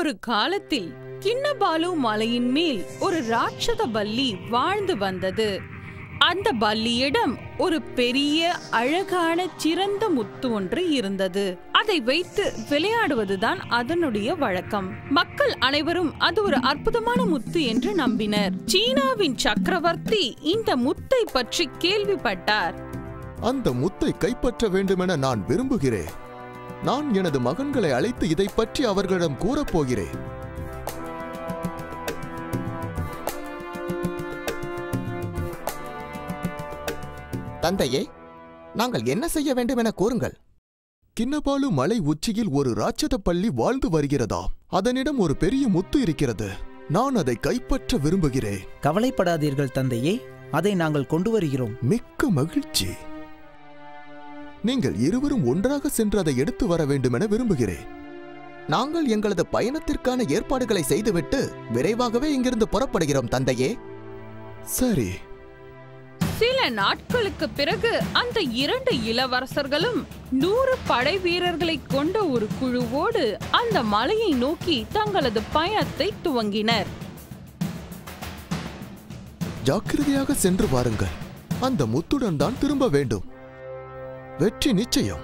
ஒரு காலத்தில் கிண்ணபாலு மலையின் மேல் ஒரு ராட்சத பல்லி வாழ்ந்து வந்தது. அந்த பல்லியிடம் ஒரு பெரிய அழகான சிறந்த முத்து ஒன்று இருந்தது. அதை வைத்து விளையாடுவதுதான் அதனுடைய வழக்கம். மக்கள் அனைவரும் அது ஒரு அற்புதமான முத்து என்று நம்பினர். சீனாவின் சக்கரவர்த்தி இந்த முத்தை பற்றி கேள்விப்பட்டார். அந்த முத்தை கைப்பற்ற வேண்டுமென நான் விரும்புகிறேன். நான் எனது மகன்களை அழைத்து இதை பற்றி அவர்களிடம் கூறப்போகிறேன். தந்தையே, நாங்கள் என்ன செய்ய வேண்டும் என கூறுங்கள். கிண்ணபாலு மலை உச்சியில் ஒரு ராட்சத பள்ளி வாழ்ந்து வருகிறதாம். அதனிடம் ஒரு பெரிய முத்து இருக்கிறது. நான் அதை கைப்பற்ற விரும்புகிறேன். கவலைப்படாதீர்கள் தந்தையே, அதை நாங்கள் கொண்டு வருகிறோம். மிக்க மகிழ்ச்சி. நீங்கள் இருவரும் ஒன்றாக சென்று அதை எடுத்து வர வேண்டும் என விரும்புகிறேன். நாங்கள் எங்களது பயணத்திற்கான ஏற்பாடுகளை செய்துவிட்டு விரைவாகவே இங்கிருந்து புறப்படுகிறோம் தந்தையே. சரி. சில நாட்களுக்கு பிறகு அந்த 2 இளவரசர்களும் 100 படை வீரர்களை கொண்ட ஒரு குழுவோடு அந்த மலையை நோக்கி தங்களது பயணத்தை துவங்கினர். ஜாக்கிரதையாக சென்று பாருங்கள். அந்த முத்துடன் தான் திரும்ப வேண்டும். வெற்றி நிச்சயம்.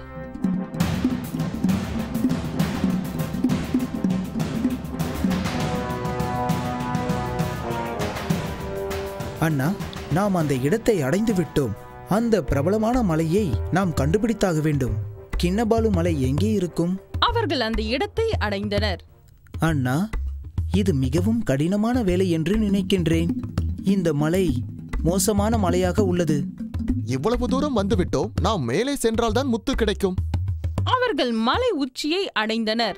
அண்ணா, நாம் அந்த இடத்தை அடைந்து விட்டோம். அந்த பிரபலமான மலையை நாம் கண்டுபிடித்தாக வேண்டும். கிண்ணபாலு மலை எங்கே இருக்கும்? அவர்கள் அந்த இடத்தை அடைந்தனர். அண்ணா, இது மிகவும் கடினமான வேலை என்று நினைக்கின்றேன். இந்த மலை மோசமான மலையாக உள்ளது. இவ்வளவு தூரம் வந்துவிட்டோம். நாம் மேலே சென்றால்தான் முத்து கிடைக்கும். அவர்கள் மலை உச்சியை அடைந்தனர்.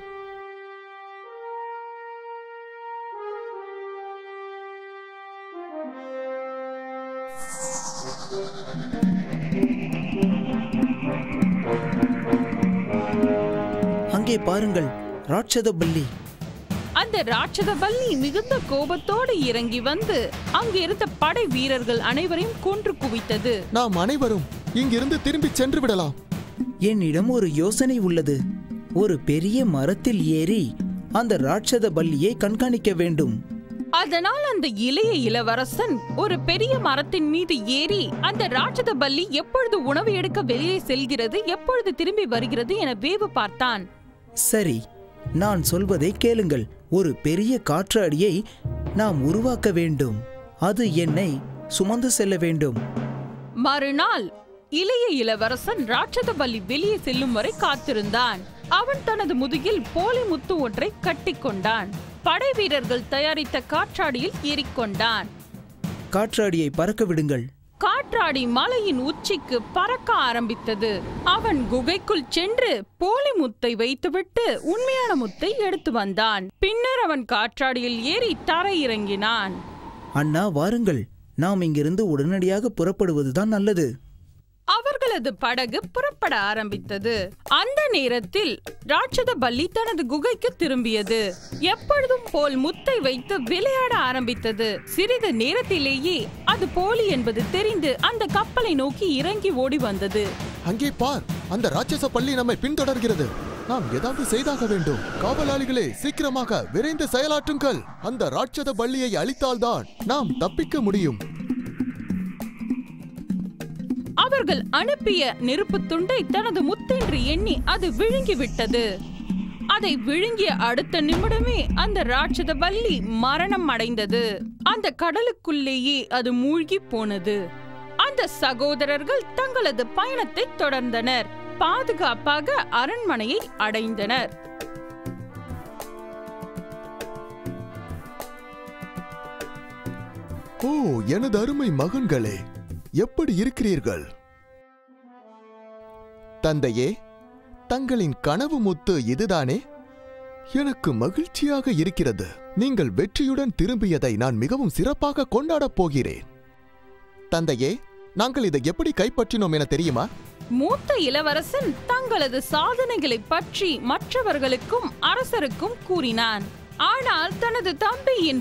அங்கே பாருங்கள், ராட்சத பல்லி. அந்த ராட்சத பல்லி மிகுந்த கோபத்தோடு இறங்கி வந்து அங்கிருந்த படை வீரர்கள் அனைவரையும் கொன்று குவித்தது. நாம் அனைவரும் இங்கிருந்து திரும்பி சென்று விடலாம். என்னிடம் ஒரு யோசனை உள்ளது. ஒரு பெரிய மரத்தில் ஏறி அந்த ராட்சத பல்லியை கண்காணிக்க வேண்டும். அதனால் அந்த இளைய இளவரசன் ஒரு பெரிய மரத்தின் மீது ஏறி அந்த ராட்சத பல்லி எப்பொழுது உணவு எடுக்க வெளியே செல்கிறது, எப்பொழுது திரும்பி வருகிறது என வேவு பார்த்தான். சரி, நான் சொல்வதை கேளுங்கள். ஒரு பெரிய காற்றாடியை நாம் உருவாக்க வேண்டும். அது என்னை சுமந்து செல்ல வேண்டும். மறுநாள் இளைய இளவரசன் ராட்சத பல்லி வெளியே செல்லும் வரை காத்திருந்தான். அவன் தனது முதுகில் போலி முத்து ஒன்றை கட்டிக்கொண்டான். படை வீரர்கள் தயாரித்த காற்றாடியில் ஏறிக்கொண்டான். காற்றாடியை பறக்க விடுங்கள். காற்றாடி மலையின் உச்சிக்கு பறக்க ஆரம்பித்தது. அவன் குகைக்குள் சென்று போலி முத்தை வைத்துவிட்டு உண்மையான முத்தை எடுத்து வந்தான். பின்னர் அவன் காற்றாடியில் ஏறி தரையிறங்கினான். அண்ணா, வாருங்கள், நாம் இங்கிருந்து உடனடியாக புறப்படுவதுதான் நல்லது. அவர்களது படகு புறப்பட ஆரம்பித்தது. அந்த நேரத்தில் ராட்சத பல்லி தனது குகைக்கு திரும்பியது. எப்பொழுதும் போல் முத்தை வைத்து விளையாட ஆரம்பித்தது. சிறிது நேரத்திலேயே அது போலி என்பது தெரிந்து அந்த கப்பலை நோக்கி இறங்கி ஓடி வந்தது. அங்கே பார், அந்த ராட்சச பள்ளி நம்மை பின்தொடர்கிறது. நாம் ஏதாவது செய்தாக வேண்டும். காவலாளிகளே, சீக்கிரமாக விரைந்து செயலாற்றுங்கள். அந்த ராட்சத பள்ளியை அழித்தால்தான் நாம் தப்பிக்க முடியும். அவர்கள் அனுப்பிய நெருப்பு துண்டை தனது முத்தென்று எண்ணி அது விழுங்கிவிட்டது. அதை விழுங்கிய அடுத்த நிமிடமே அந்த ராட்சத பல்லி மரணம் அடைந்தது. அந்த கடலுக்குள்ளேயே அது மூழ்கி போனது. அந்த சகோதரர்கள் தங்களது பயணத்தை தொடர்ந்தனர். பாதுகாப்பாக அரண்மனையை அடைந்தனர். ஓ, எனது அருமை மகன்களே, எப்படி இருக்கிறீர்கள்? தந்தையே, தங்களின் கனவு முத்து இதுதானே? எனக்கு மகிழ்ச்சியாக இருக்கிறது. நீங்கள் வெற்றியுடன் திரும்பியதை நான் மிகவும் சிறப்பாக கொண்டாடப் போகிறேன். தந்தையே, நாங்கள் இதை எப்படி கைப்பற்றினோம் என தெரியுமா? மூத்த இளவரசன் தங்களது சாதனைகளை பற்றி மற்றவர்களுக்கும் அரசருக்கும் கூறினான். ஆனால் தனது தம்பியின்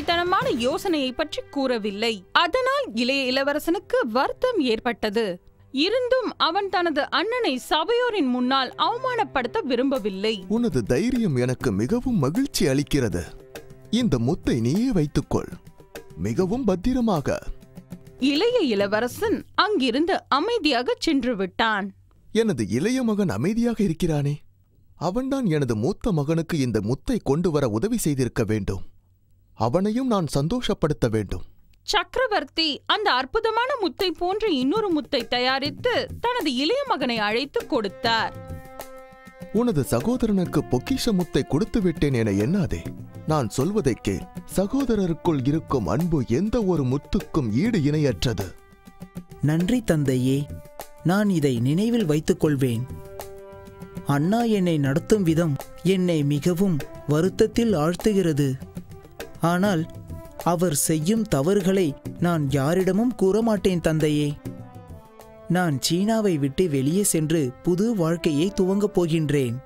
புத்திசாலித்தனமான யோசனையை பற்றி கூறவில்லை. அதனால் இளைய இளவரசனுக்கு வருத்தம் ஏற்பட்டது. இருந்தும் அவன் தனது அண்ணனை சபையோரின் முன்னால் அவமானப்படுத்த விரும்பவில்லை. உனது தைரியம் எனக்கு மிகவும் மகிழ்ச்சி அளிக்கிறது. இந்த முத்தை நீயே வைத்துக்கொள், மிகவும் பத்திரமாக. இளைய இளவரசன் அங்கிருந்து அமைதியாக சென்று விட்டான். எனது இளைய மகன் அமைதியாக இருக்கிறானே, அவன்தான் எனது மூத்த மகனுக்கு இந்த முத்தை கொண்டு வர உதவி செய்திருக்க வேண்டும். அவனையும் நான் சந்தோஷப்படுத்த வேண்டும். சக்கரவர்த்தி அந்த அற்புதமான முத்தை போன்ற இன்னொரு முத்தை தயாரித்து தனது இளைய மகனை அழைத்து கொடுத்தார். உனது சகோதரனுக்கு பொக்கிஷ முத்தை கொடுத்து விட்டேன் என எண்ணாதே. நான் சொல்வதை கேள். சகோதரருக்குள் இருக்கும் அன்பு எந்த ஒரு முத்துக்கும் ஈடு இணையற்றது. நன்றி தந்தையே, நான் இதை நினைவில் வைத்துக் கொள்வேன். அண்ணா என்னை நடத்தும் விதம் என்னை மிகவும் வருத்தத்தில் ஆழ்த்துகிறது. ஆனால் அவர் செய்யும் தவறுகளை நான் யாரிடமும் கூற மாட்டேன் தந்தையே. நான் சீனாவை விட்டு வெளியே சென்று புது வாழ்க்கையை துவங்கப் போகின்றேன்.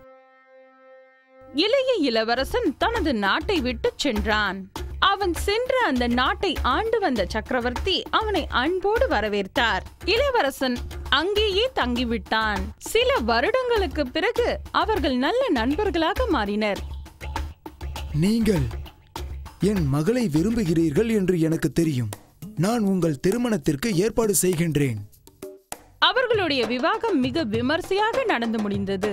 இளைய இளவரசன் தனது நாட்டை விட்டு சென்றான். அவன் சென்ற அந்த நாட்டை ஆண்டு வந்த சக்கரவர்த்தி அவனை அன்போடு வரவேற்றார். இளவரசன் அங்கேயே தங்கிவிட்டான். சில வருடங்களுக்கு பிறகு அவர்கள் நல்ல நண்பர்களாக மாறினர். நீங்கள் என் மகளை விரும்புகிறீர்கள் என்று எனக்கு தெரியும். நான் உங்கள் திருமணத்திற்கு ஏற்பாடு செய்கின்றேன். அவர்களுடைய விவாகம் மிக விமர்சையாக நடந்து முடிந்தது.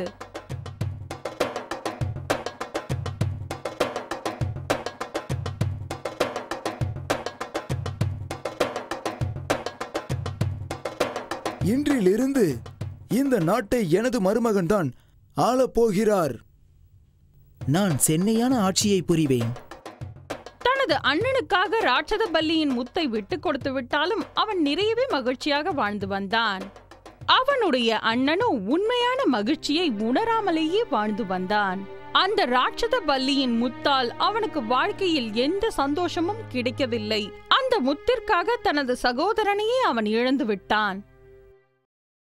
இன்றிலிருந்து இந்த நாட்டை எனது மருமகன்தான் ஆளப்போகிறார். நான் சென்னையான ஆட்சியை புரிவேன். தனது அண்ணனுக்காக ராட்சத பல்லியின் முத்தை விட்டு கொடுத்து விட்டாலும் அவன் நிறையவே மகிழ்ச்சியாக வாழ்ந்து வந்தான். அவனுடைய அண்ணனோ உண்மையான மகிழ்ச்சியை உணராமலேயே வாழ்ந்து வந்தான். அந்த ராட்சத பல்லியின் முத்தால் அவனுக்கு வாழ்க்கையில் எந்த சந்தோஷமும் கிடைக்கவில்லை. அந்த முத்திற்காக தனது சகோதரனையே அவன் இழந்து விட்டான்.